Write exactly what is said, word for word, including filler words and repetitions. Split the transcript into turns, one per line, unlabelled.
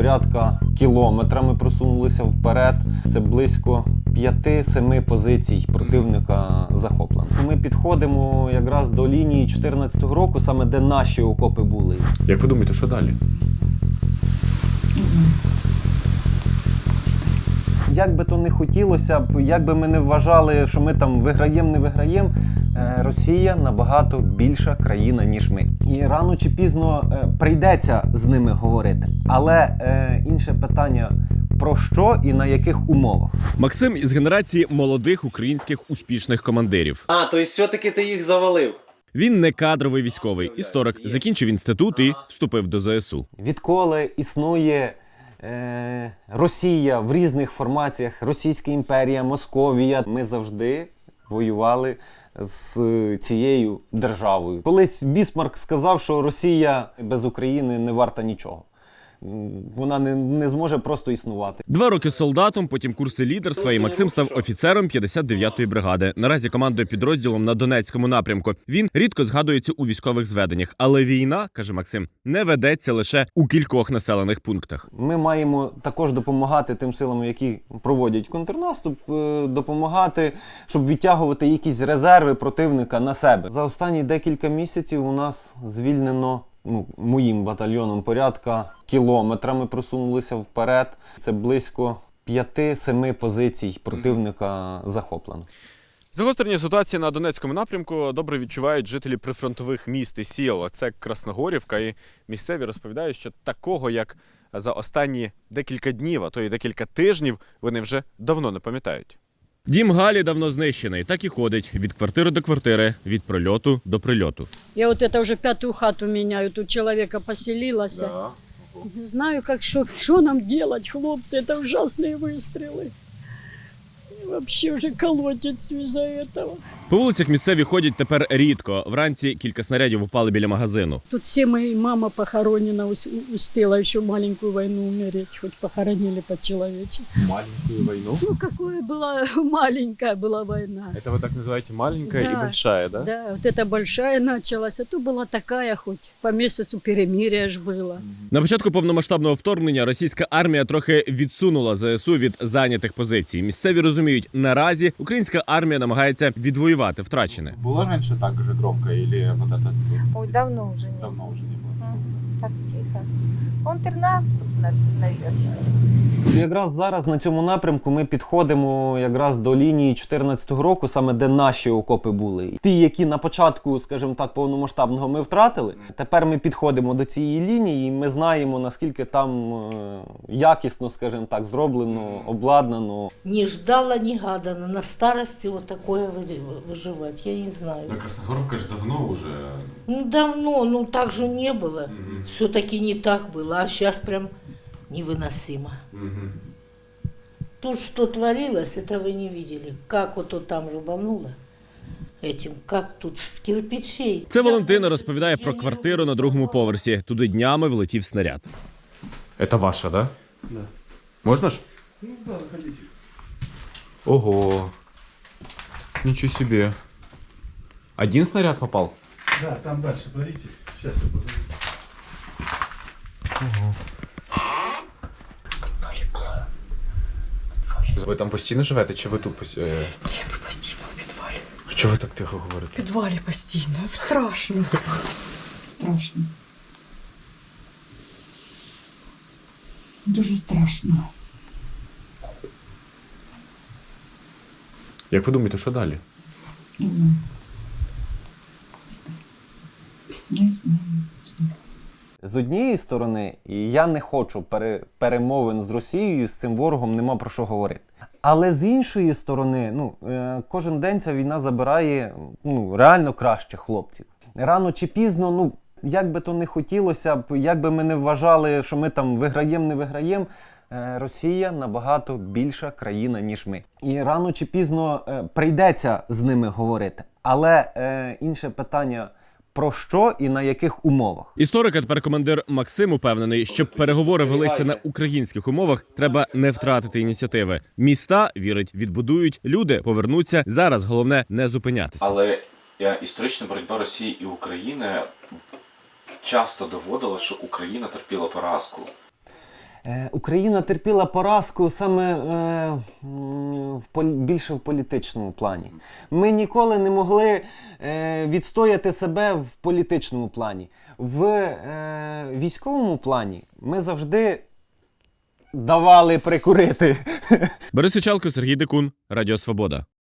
порядка кілометра ми просунулися вперед. Це близько п'яти-семи позицій противника захоплено. Ми підходимо якраз до лінії чотирнадцятого року, саме де наші окопи були.
Як ви думаєте, що далі?
Не знаю.
Як би то не хотілося б, як би ми не вважали, що ми там виграємо, не виграємо, Росія набагато більша країна, ніж ми. І рано чи пізно прийдеться з ними говорити. Але е, інше питання, про що і на яких умовах.
Максим із генерації молодих українських успішних командирів.
А, то все-таки ти їх завалив?
Він не кадровий військовий історик, закінчив інститут і вступив до зе ес у.
Відколи існує е, Росія в різних формаціях, Російська імперія, Московія, ми завжди воювали з цією державою. Колись Бісмарк сказав, що Росія без України не варта нічого. Вона не, не зможе просто існувати.
Два роки солдатом, потім курси лідерства, і Максим став офіцером п'ятдесят дев'ятої бригади. Наразі командує підрозділом на Донецькому напрямку. Він рідко згадується у військових зведеннях. Але війна, каже Максим, не ведеться лише у кількох населених пунктах.
Ми маємо також допомагати тим силам, які проводять контрнаступ, допомагати, щоб відтягувати якісь резерви противника на себе. За останні декілька місяців у нас звільнено, ну, моїм батальйоном порядка кілометра ми просунулися вперед. Це близько п'яти-семи позицій противника захоплено.
Загострення ситуації на Донецькому напрямку добре відчувають жителі прифронтових міст і сіл. Це Красногорівка, і місцеві розповідають, що такого, як за останні декілька днів, а то й декілька тижнів, вони вже давно не пам'ятають. Дім Галі давно знищений, так і ходить від квартири до квартири, від прильоту до прильоту.
Я вот это уже пятую хату меняю, тут человека поселилась.
Да.
Не знаю, как что, что нам делать, хлопцы, это ужасные выстрелы. И вообще уже колотится из-за этого.
По вулицях місцеві ходять тепер рідко. Вранці кілька снарядів упали біля магазину.
Тут все мои мама похоронена, ус- успела еще маленькую войну умереть, хоть похоронили по-человечески.
Маленькую войну?
Ну, какая была маленькая была война.
Это вы так называете маленькая
Да.
и большая, да?
Да, вот эта большая началась, а то была такая хоть по месяцу перемирия ж было.
На початку повномасштабного вторгнення російська армія трохи відсунула зе ес у від зайнятих позицій. Місцеві розуміють, наразі українська армія намагається відвоювати втрачене.
Было раньше так же громко или вот это?
Ой, давно уже не
Давно уже не было.
М, Так тихо. Контрнаступ, на- наверное.
Якраз зараз на цьому напрямку ми підходимо якраз до лінії чотирнадцятого року, саме де наші окопи були. Ті, які на початку, скажімо так, повномасштабного ми втратили, тепер ми підходимо до цієї лінії і ми знаємо, наскільки там е, якісно, скажімо так, зроблено, обладнано.
Не ждала, не гадана. На старости вот такое вы- выживать, я не знаю.
Красногорівка ж давно вже.
Ну давно, ну так же не было. Все-таки не так было, а сейчас прям невыносимо. Тут что творилось, это вы не видели. Как вот тут там рубануло этим, как тут с кирпичей.
Це Валентина розповідає про квартиру на другому поверсі. Туди днями влетів снаряд. Это ваша, да?
Да.
Можно ж?
Ну да, заходите.
Ого. Ничего себе. Один снаряд попал?
Да, там дальше, смотрите. Сейчас я позову.
Ви там постійно живете, чи ви тут постійно?
Я постійно в підвалі.
Чого ви так тихо говорите?
В підвалі постійно. Страшно. Страшно. Дуже страшно.
Як ви думаєте, що далі?
Не знаю. Не знаю. Не знаю. Не знаю.
З однієї сторони, і я не хочу пере, перемовин з Росією, з цим ворогом нема про що говорити. Але з іншої сторони, ну, е, кожен день ця війна забирає, ну, реально кращих хлопців. Рано чи пізно, ну, як би то не хотілося б, як би ми не вважали, що ми там виграємо, не виграємо, е, Росія набагато більша країна, ніж ми. І рано чи пізно е, прийдеться з ними говорити. Але е, інше питання, про що і на яких умовах.
Історик, а тепер командир Максим упевнений, щоб переговори велися на українських умовах, треба не втратити ініціативи. Міста, вірить, відбудують, люди повернуться. Зараз головне не зупинятися.
Але історична боротьба Росії і України часто доводила, що Україна терпіла поразку.
Е, Україна терпіла поразку саме е, м, в полі- більше в політичному плані. Ми ніколи не могли е, відстояти себе в політичному плані. В е, військовому плані ми завжди давали прикурити.
Борис Ічалко, Сергій Декун, Радіо Свобода.